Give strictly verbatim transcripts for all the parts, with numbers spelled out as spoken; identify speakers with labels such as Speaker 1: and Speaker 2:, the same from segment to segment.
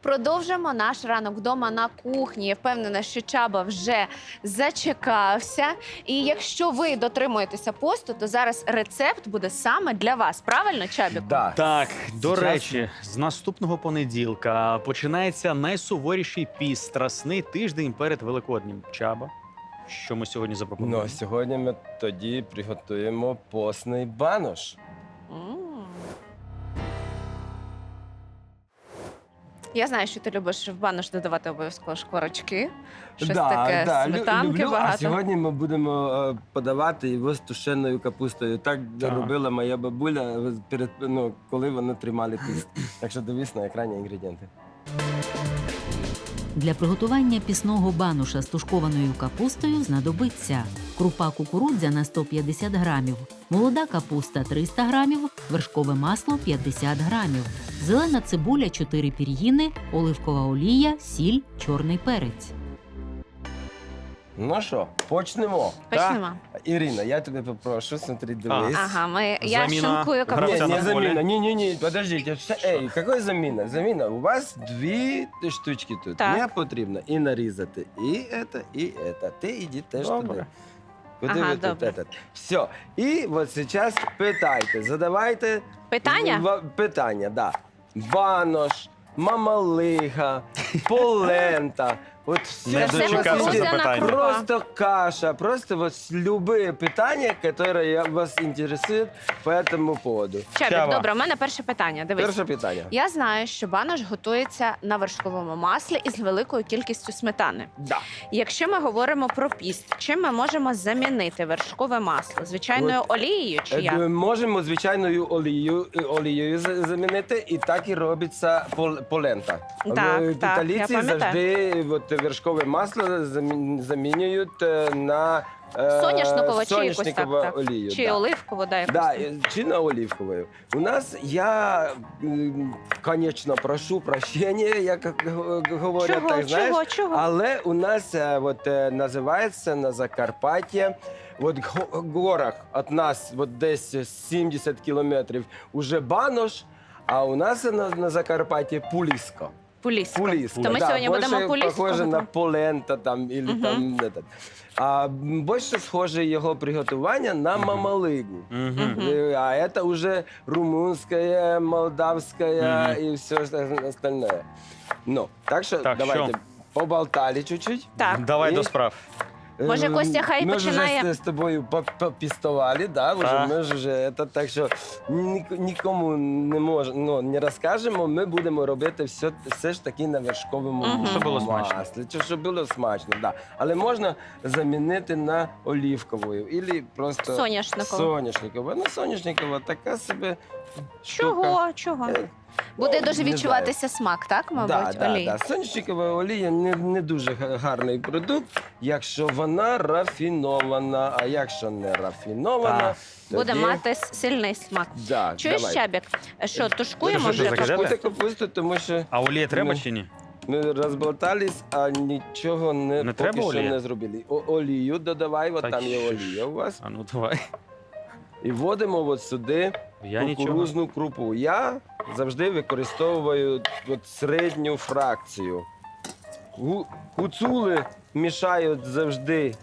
Speaker 1: Продовжимо наш ранок вдома на кухні. Я впевнена, що Чаба вже зачекався. І якщо ви дотримуєтеся посту, то зараз рецепт буде саме для вас. Правильно, Чабіку?
Speaker 2: Да.
Speaker 3: Так, до
Speaker 2: Зараз-
Speaker 3: речі, з наступного понеділка починається найсуворіший піст, страсний тиждень перед Великоднім. Чаба, що ми сьогодні запропонуємо?
Speaker 2: Ну, сьогодні ми тоді приготуємо постний банош.
Speaker 1: М. Я знаю, що ти любиш в банош додавати обов'язково шкварочки. Щось таке,
Speaker 2: да, лю-
Speaker 1: сметанки
Speaker 2: люблю.
Speaker 1: багато.
Speaker 2: А сьогодні ми будемо е, подавати його з тушеною капустою. Так,
Speaker 3: Так.
Speaker 2: робила моя бабуля, перед, ну, коли вони тримали піст. Так що дивись на екрані інгредієнти.
Speaker 4: Для приготування пісного бануша з тушкованою капустою знадобиться крупа кукурудзяна сто п'ятдесят грамів, молода капуста триста грамів, вершкове масло п'ятдесят грамів, зелена цибуля чотири пір'їни, оливкова олія, сіль, чорний перець.
Speaker 2: Ну що, почнемо.
Speaker 1: Почнемо.
Speaker 2: Ірина, я тебе попрошу, смотри, дивись.
Speaker 1: Ага, ми... я
Speaker 3: Заміна
Speaker 1: шинкую
Speaker 2: Не,
Speaker 3: гравця
Speaker 1: капусту.
Speaker 3: на
Speaker 2: не
Speaker 3: поле.
Speaker 2: замена. Не-не-не, подождите. Все- Эй, какой замена? Замена. У вас дві штучки тут.
Speaker 1: Так.
Speaker 2: Мені потрібно і нарізати і це, і це. Ти іди теж
Speaker 3: Добре.
Speaker 2: туди. Куди
Speaker 1: Ага,
Speaker 2: ви тут
Speaker 1: добре.
Speaker 2: этот? Все. І от зараз питайте, задавайте
Speaker 1: Питання?
Speaker 2: в- питання, да. Банош, мамалига, полента. От все,
Speaker 3: Не
Speaker 2: що
Speaker 3: дочекався
Speaker 2: вас
Speaker 1: кукурудзяна
Speaker 3: запитання.
Speaker 1: крупа.
Speaker 2: Просто каша, просто вот любые питания, которые вас интересуют по этому поводу.
Speaker 1: Чабік,
Speaker 3: Чаба.
Speaker 1: добре, у мене перше питання. Дивись.
Speaker 2: Перше питання.
Speaker 1: Я знаю, що банош готується на вершковому маслі із великою кількістю сметани.
Speaker 2: Да.
Speaker 1: Якщо ми говоримо про піст, чим ми можемо замінити вершкове масло? Звичайною олією чи
Speaker 2: Е,
Speaker 1: як?
Speaker 2: Можемо звичайною олією, е, олією за- замінити, і так і робиться пол- полента.
Speaker 1: Так,
Speaker 2: Е,
Speaker 1: так, я
Speaker 2: Італійці
Speaker 1: пам'ятаю.
Speaker 2: завжди от, вершкове масло замі- замінюють е, на е,
Speaker 1: Соняшникову чи якусь так,
Speaker 2: соняшникову
Speaker 1: так.
Speaker 2: олію.
Speaker 1: Чи
Speaker 2: да.
Speaker 1: оливкову, да, якусь.
Speaker 2: Да, е, чи на оливковую. У нас я, м, конечно, прошу прощения, як г- говорять,
Speaker 1: Чого,
Speaker 2: так знаєш.
Speaker 1: чого, чого?
Speaker 2: Але у нас е, от, е, називається на Закарпатті, от го- горах від нас от десь сімдесят кілометрів уже банош, а у нас на, на Закарпатті пуліска.
Speaker 1: Пуліска.
Speaker 2: Пуліска.
Speaker 1: То ми
Speaker 2: да,
Speaker 1: сьогодні
Speaker 2: більше
Speaker 1: будемо пуліску
Speaker 2: похоже на
Speaker 1: готувати?
Speaker 2: полента там, или
Speaker 1: Мгм.
Speaker 2: там этот. А м, більше схоже його приготування на мамалигу.
Speaker 3: Мгм.
Speaker 1: Мгм.
Speaker 2: Э, А это уже румынская, молдавская
Speaker 3: Мгм.
Speaker 2: и все остальное. Ну, так что
Speaker 3: Так,
Speaker 2: давайте
Speaker 3: що?
Speaker 2: поболтали чуть-чуть.
Speaker 1: Так.
Speaker 3: Давай
Speaker 2: І-
Speaker 3: до справ.
Speaker 1: Може,
Speaker 2: Ем,
Speaker 1: Костя хай
Speaker 2: ми
Speaker 1: починає?
Speaker 2: вже з, з тобою по- попістували, да, вже,
Speaker 3: Так.
Speaker 2: ми ж вже, це, так що ні- нікому не мож, ну, не розкажемо, ми будемо робити все, все ж таки на вершковому
Speaker 1: Мгм.
Speaker 2: маслі.
Speaker 3: Щоб було смачно.
Speaker 2: Чи щоб було смачно, да. Але можна замінити на олівковою, або просто
Speaker 1: Соняшникову.
Speaker 2: соняшникову. Ну, соняшникова така собі штука.
Speaker 1: Чого? Чого?
Speaker 2: Е,
Speaker 1: Буде
Speaker 2: ну,
Speaker 1: дуже
Speaker 2: не
Speaker 1: відчуватися смак, так, мабуть,
Speaker 2: Да, да,
Speaker 1: олії?
Speaker 2: да. Соняшникова олія не, не дуже га- гарний продукт, якщо вона рафінована. А якщо не рафінована,
Speaker 3: Так.
Speaker 1: Буде
Speaker 2: тоді-
Speaker 1: мати с- сильний смак.
Speaker 2: Да,
Speaker 1: Чуєш,
Speaker 2: давай.
Speaker 1: Чабік? Що, тушкуємо
Speaker 3: Що,
Speaker 1: вже
Speaker 3: що, закидати?
Speaker 2: Тушкуйте
Speaker 1: капусту?
Speaker 2: капусту, тому що
Speaker 3: А олія треба
Speaker 2: Ну.
Speaker 3: чи ні?
Speaker 2: ми розболтались, а нічого не,
Speaker 3: Не
Speaker 2: поки
Speaker 3: треба
Speaker 2: що
Speaker 3: олія?
Speaker 2: не зробили. О, олію додавай, от
Speaker 3: Та
Speaker 2: там є
Speaker 3: що ж.
Speaker 2: олія у вас.
Speaker 3: А ну давай.
Speaker 2: І вводимо от сюди
Speaker 3: Я нічого.
Speaker 2: кукурузну крупу. Я завжди використовую от середню фракцію. Гу- Гуцули мішають завжди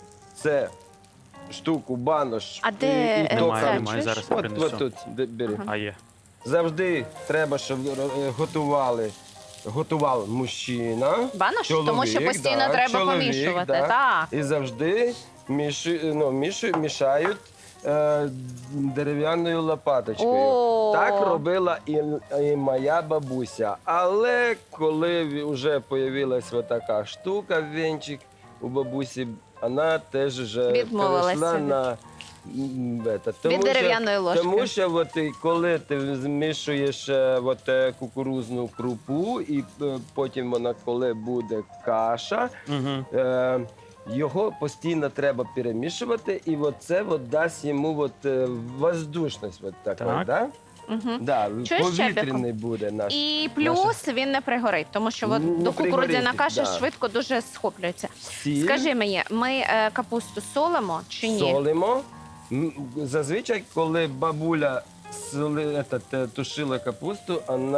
Speaker 2: це штуку, банош.
Speaker 1: А де,
Speaker 2: і, і
Speaker 1: е,
Speaker 2: то
Speaker 3: Немає,
Speaker 1: це,
Speaker 2: кам-
Speaker 3: немає,
Speaker 1: чуєш?
Speaker 3: зараз
Speaker 2: От,
Speaker 3: принесу.
Speaker 2: от тут, де- бери.
Speaker 1: Ага.
Speaker 3: А є.
Speaker 2: Завжди треба, щоб е, готували. Готував мужчина.
Speaker 1: Банош?
Speaker 2: чоловік,
Speaker 1: Тому що постійно
Speaker 2: да,
Speaker 1: треба
Speaker 2: чоловік,
Speaker 1: помішувати.
Speaker 2: да.
Speaker 1: Так.
Speaker 2: І завжди міші, ну, міші, мішають е, дерев'яною лопаточкою.
Speaker 1: О.
Speaker 2: Так робила і, і моя бабуся. Але коли вже з'явилася така штука, венчик у бабусі, вона теж вже
Speaker 1: Відмовилася
Speaker 2: перейшла
Speaker 1: від-
Speaker 2: на м, это, тому
Speaker 1: Від
Speaker 2: що-
Speaker 1: дерев'яної ложки.
Speaker 2: Тому що от, і коли ти змішуєш е, от, е, кукурузну крупу, і е, потім вона, коли буде каша,
Speaker 3: Угу.
Speaker 2: е, його постійно треба перемішувати, і от це от дасть йому от, е, воздушність. От такої,
Speaker 3: Так.
Speaker 2: да?
Speaker 1: Угу.
Speaker 2: Да,
Speaker 1: Чуєш,
Speaker 2: повітряний буде наш.
Speaker 1: І плюс він не пригорить, тому що от
Speaker 2: Не
Speaker 1: до кукурудзяна
Speaker 2: пригорить,
Speaker 1: каша
Speaker 2: да.
Speaker 1: швидко дуже схоплюється.
Speaker 2: Сіль,
Speaker 1: Скажи мені, ми е, капусту солимо чи ні?
Speaker 2: солимо. М, Зазвичай, коли бабуля соли, етат, е, тушила капусту, вона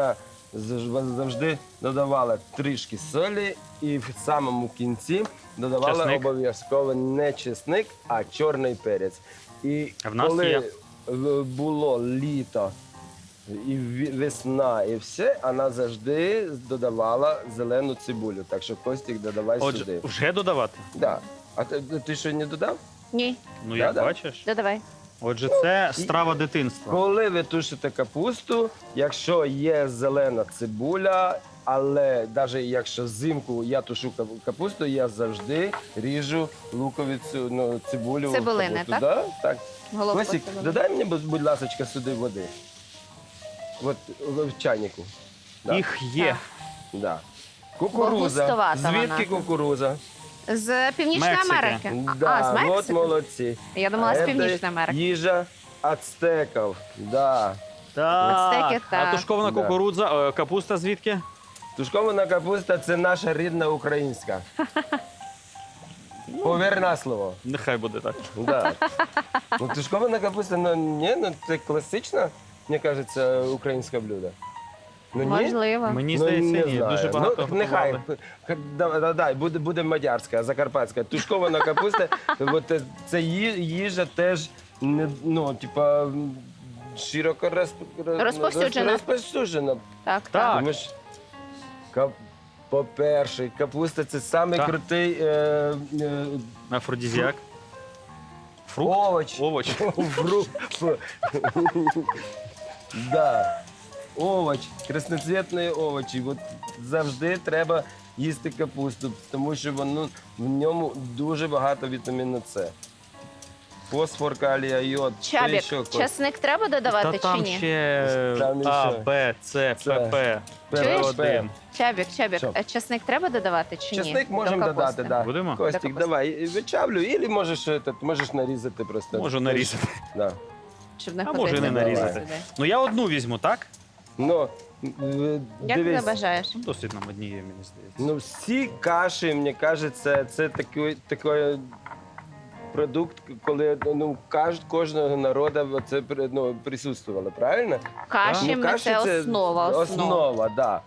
Speaker 2: зав- завжди додавала трішки солі і в самому кінці додавала
Speaker 3: Чесник?
Speaker 2: обов'язково не чесник, а чорний перець. І
Speaker 3: А в нас
Speaker 2: коли
Speaker 3: є.
Speaker 2: в- було літо і ві- весна, і все, вона завжди додавала зелену цибулю. Так що Костік додавай
Speaker 3: Отже,
Speaker 2: сюди.
Speaker 3: вже додавати?
Speaker 2: Да. А ти, ти що не додав?
Speaker 1: Ні,
Speaker 3: Ну, як
Speaker 2: Да-да.
Speaker 3: бачиш.
Speaker 1: додавай.
Speaker 3: Отже, це страва дитинства.
Speaker 2: Коли ви тушите капусту, якщо є зелена цибуля, але навіть якщо взимку я тушу кап- капусту, я завжди ріжу луковицю, ну, цибулю. в
Speaker 1: Цибулини,
Speaker 2: капусту.
Speaker 1: так?
Speaker 2: Да? Так.
Speaker 1: Головку
Speaker 2: Костік,
Speaker 1: цибулини.
Speaker 2: додай мені, будь, будь ласка, сюди води. От в чайнику. Да.
Speaker 3: Їх є.
Speaker 2: Да.
Speaker 1: Бо
Speaker 2: Кукуруза.
Speaker 1: густовата
Speaker 2: Звідки
Speaker 1: вона.
Speaker 2: кукуруза?
Speaker 1: З Північної
Speaker 3: Мексики.
Speaker 1: Америки. А,
Speaker 2: Да,
Speaker 1: а, з
Speaker 2: от
Speaker 1: Мексики?
Speaker 2: молодці.
Speaker 1: Я думала, з
Speaker 2: А
Speaker 1: Північної
Speaker 2: це
Speaker 1: Америки.
Speaker 2: Їжа ацтеків. Да.
Speaker 3: Так.
Speaker 1: Ацтеки,
Speaker 3: А
Speaker 1: так.
Speaker 3: тушкована
Speaker 2: Да.
Speaker 3: кукурудза, е, капуста звідки?
Speaker 2: Тушкована капуста це наша рідна українська. Повір на слово.
Speaker 3: Нехай буде так.
Speaker 2: Да. Ну, тушкована капуста, ну ні, ну це класичне, мені кажеться, українське блюдо. Ну, ні?
Speaker 1: Можливо.
Speaker 3: Мені
Speaker 2: Ну,
Speaker 3: здається,
Speaker 2: не
Speaker 3: ні.
Speaker 2: знаю.
Speaker 3: Дуже багато
Speaker 2: Ну, нехай,
Speaker 3: готували.
Speaker 2: х- да, да, да, буде, буде мадярська, закарпатська. Тушкована капуста, от, е, це ї- їжа теж, не, ну, типа, м, широко розп- роз-
Speaker 1: Розповсюджена.
Speaker 2: розповсюджена.
Speaker 1: Так,
Speaker 3: Так.
Speaker 1: так.
Speaker 2: Тому що, кап... по-перше, капуста це самий
Speaker 3: Так.
Speaker 2: крутий е, е,
Speaker 3: Афродізіак. Фрукт?
Speaker 2: овоч.
Speaker 3: Овоч.
Speaker 2: Фрукт. Да. Овоч, красноцвітні овочі. От завжди треба їсти капусту, тому що воно, в ньому дуже багато вітаміну С. Фосфор, калія, йод. Що
Speaker 1: Чабік,
Speaker 2: ще, Кость?
Speaker 1: часник треба додавати
Speaker 3: Та
Speaker 1: чи
Speaker 3: там
Speaker 1: ні?
Speaker 3: ще
Speaker 2: Там
Speaker 3: А,
Speaker 2: ще.
Speaker 3: Б, С,
Speaker 2: Це.
Speaker 3: П, П.
Speaker 1: Чуєш?
Speaker 3: один.
Speaker 1: Чабік, чабік,
Speaker 2: Що?
Speaker 1: е, часник треба додавати чи ні?
Speaker 2: Чесник
Speaker 1: До
Speaker 2: можемо
Speaker 1: капусти?
Speaker 2: додати, да.
Speaker 3: Будемо?
Speaker 2: Костік,
Speaker 1: До капусти.
Speaker 2: давай, вичавлю, і можеш, этот, можеш нарізати просто.
Speaker 3: Можу нарізати.
Speaker 2: Да.
Speaker 1: Щоб не
Speaker 3: А
Speaker 1: ходити.
Speaker 3: може і не
Speaker 2: Давай.
Speaker 3: нарізати. Ну я одну візьму, так?
Speaker 2: Ну, е,
Speaker 1: Як ти
Speaker 2: дивись,
Speaker 1: бажаєш?
Speaker 3: Ну, досить нам однієї, мені здається.
Speaker 2: ну всі каші, мені кажеться, це такий, такий продукт, коли ну, каж, кожного народу це ну, присутствувало, правильно?
Speaker 1: Каші
Speaker 2: Ну,
Speaker 1: ми це основа. основа.
Speaker 2: Основа, да.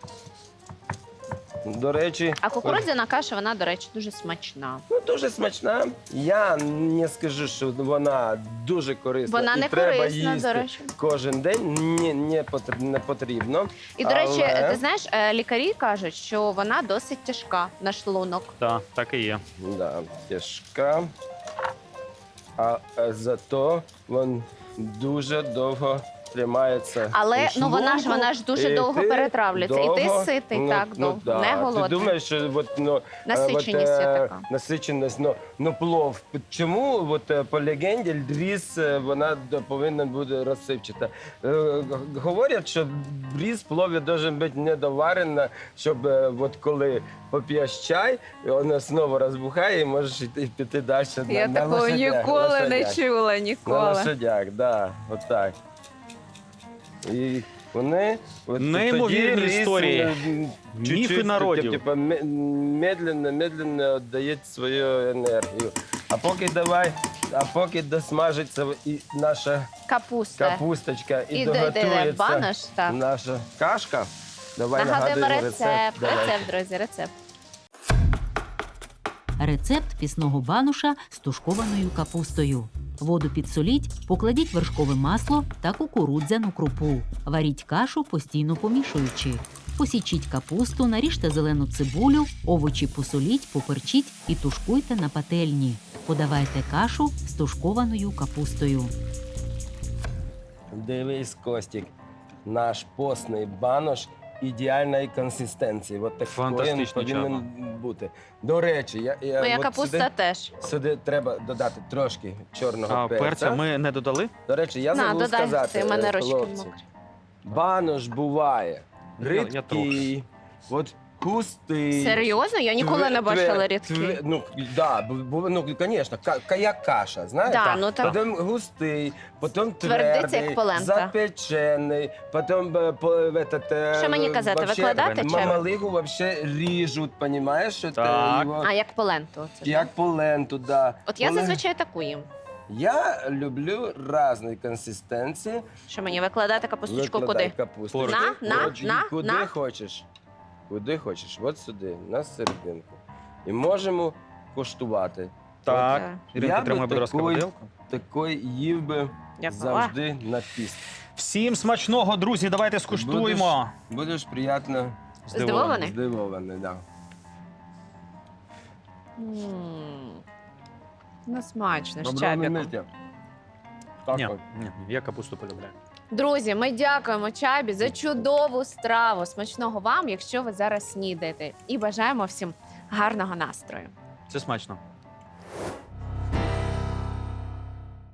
Speaker 2: До речі,
Speaker 1: А кукурудзяна каша, вона, до речі, дуже смачна.
Speaker 2: ну, дуже смачна. Я не скажу, що вона дуже корисна.
Speaker 1: Вона
Speaker 2: і
Speaker 1: не
Speaker 2: треба
Speaker 1: корисна,
Speaker 2: їсти
Speaker 1: до речі.
Speaker 2: кожен день. Ні, не, потр- не потрібно.
Speaker 1: І, до речі,
Speaker 2: Але-
Speaker 1: ти знаєш, е, лікарі кажуть, що вона досить тяжка на шлунок.
Speaker 3: Так, так і є.
Speaker 2: Да, тяжка. А е, зато він дуже довго тримається.
Speaker 1: Але
Speaker 2: у
Speaker 1: ну вона ж
Speaker 2: шлунку,
Speaker 1: вона ж дуже
Speaker 2: і
Speaker 1: довго
Speaker 2: ти
Speaker 1: перетравлюється. І ти
Speaker 2: довго-
Speaker 1: ситий,
Speaker 2: ну,
Speaker 1: так,
Speaker 2: ну,
Speaker 1: довго,
Speaker 2: да.
Speaker 1: не голодний.
Speaker 2: Ти думаєш, що от, ну, е,
Speaker 1: Насиченість
Speaker 2: от,
Speaker 1: є
Speaker 2: е,
Speaker 1: така.
Speaker 2: насиченість, ну, ну плов. Чому от, е, по легенді різ е, вона д- повинна бути розсипчата? Е, г- Говорять, що різ в плові має бути недоварена, щоб е, от коли поп'єш чай, вона знову розбухає і можеш йти, піти далі на,
Speaker 1: Я
Speaker 2: на
Speaker 1: такого
Speaker 2: лошадях,
Speaker 1: ніколи не
Speaker 2: лошадях.
Speaker 1: чула,
Speaker 2: На
Speaker 1: ніколи.
Speaker 2: лошадях, да, отак. І вони от
Speaker 3: Неймовірні
Speaker 2: тоді рис,
Speaker 3: історії.
Speaker 2: м,
Speaker 3: Міфи
Speaker 2: чуть-чуть,
Speaker 3: народів.
Speaker 2: Типу, ме- медленно, медленно віддає свою енергію. А поки давай, а поки досмажиться і наша
Speaker 1: Капуста.
Speaker 2: капусточка і,
Speaker 1: І де, де, де
Speaker 2: доготується
Speaker 1: банош, так.
Speaker 2: наша кашка, давай
Speaker 1: Нагадуємо
Speaker 2: нагадуємо
Speaker 1: рецепт.
Speaker 2: Давай.
Speaker 1: Рецепт, друзі, рецепт.
Speaker 4: Рецепт пісного бануша з тушкованою капустою. Воду підсоліть, покладіть вершкове масло та кукурудзяну крупу. Варіть кашу, постійно помішуючи. Посічіть капусту, наріжте зелену цибулю, овочі посоліть, поперчіть і тушкуйте на пательні. Подавайте кашу з тушкованою капустою.
Speaker 2: Дивись, Костік, наш постний банош ідеальної консистенції. От такий він
Speaker 3: Фантастичний
Speaker 2: повинен бути. До речі, я, я
Speaker 1: Моя
Speaker 2: от
Speaker 1: капуста
Speaker 2: сюди,
Speaker 1: теж.
Speaker 2: сюди треба додати трошки чорного
Speaker 3: А
Speaker 2: перця.
Speaker 3: перця ми не додали?
Speaker 2: До речі, я
Speaker 1: На,
Speaker 2: забув
Speaker 1: додай,
Speaker 2: сказати,
Speaker 1: ти, в мене
Speaker 2: е,
Speaker 1: ручки
Speaker 2: хлопці,
Speaker 1: мокрі.
Speaker 2: банош буває
Speaker 3: Я- я
Speaker 2: рідкий, от густий.
Speaker 1: Серйозно? Я ніколи не
Speaker 2: Тве-
Speaker 1: бачила
Speaker 2: тве-
Speaker 1: рідкий.
Speaker 2: тве- Ну, да, бу- бу- ну, звісно, ка- як каша, знаєш?
Speaker 1: Да, ну, так.
Speaker 2: Потім густий, потім
Speaker 1: Твердий, це
Speaker 2: твердий,
Speaker 1: як полента.
Speaker 2: запечений, потім е, по, этот, е,
Speaker 1: Що мені казати,
Speaker 2: вообще
Speaker 1: викладати чи?
Speaker 2: мамалигу вообще ріжуть, понімаєш? Що це
Speaker 3: Так.
Speaker 2: його,
Speaker 1: А як поленту? Це,
Speaker 2: як поленту, да.
Speaker 1: От я
Speaker 2: Коли-
Speaker 1: зазвичай таку їм.
Speaker 2: Я люблю різні консистенції.
Speaker 1: Що мені викладати капусточку
Speaker 2: Викладай
Speaker 1: куди?
Speaker 2: капусточку.
Speaker 1: На, на,
Speaker 2: От,
Speaker 1: на,
Speaker 2: куди
Speaker 1: на.
Speaker 2: хочеш. Куди хочеш. От сюди, на серединку. І можемо коштувати.
Speaker 3: Так.
Speaker 1: Е,
Speaker 3: Іринка,
Speaker 2: Я би
Speaker 3: тримай, будь ласка,
Speaker 2: такої-
Speaker 3: виделку.
Speaker 2: Такий їв би
Speaker 1: Дякую.
Speaker 2: завжди на піст.
Speaker 3: Всім смачного, друзі, давайте скуштуємо.
Speaker 2: Будеш приємно
Speaker 1: Здивований?
Speaker 2: здивований. Да.
Speaker 1: М. Ну, смачно, з
Speaker 2: Доброго
Speaker 1: чабіком.
Speaker 2: миття. Так
Speaker 3: Ні,
Speaker 2: от.
Speaker 3: ні, я капусту полюбляю.
Speaker 1: Друзі, ми дякуємо Чабі за чудову страву. Смачного вам, якщо ви зараз снідаєте. І бажаємо всім гарного настрою.
Speaker 3: Це смачно.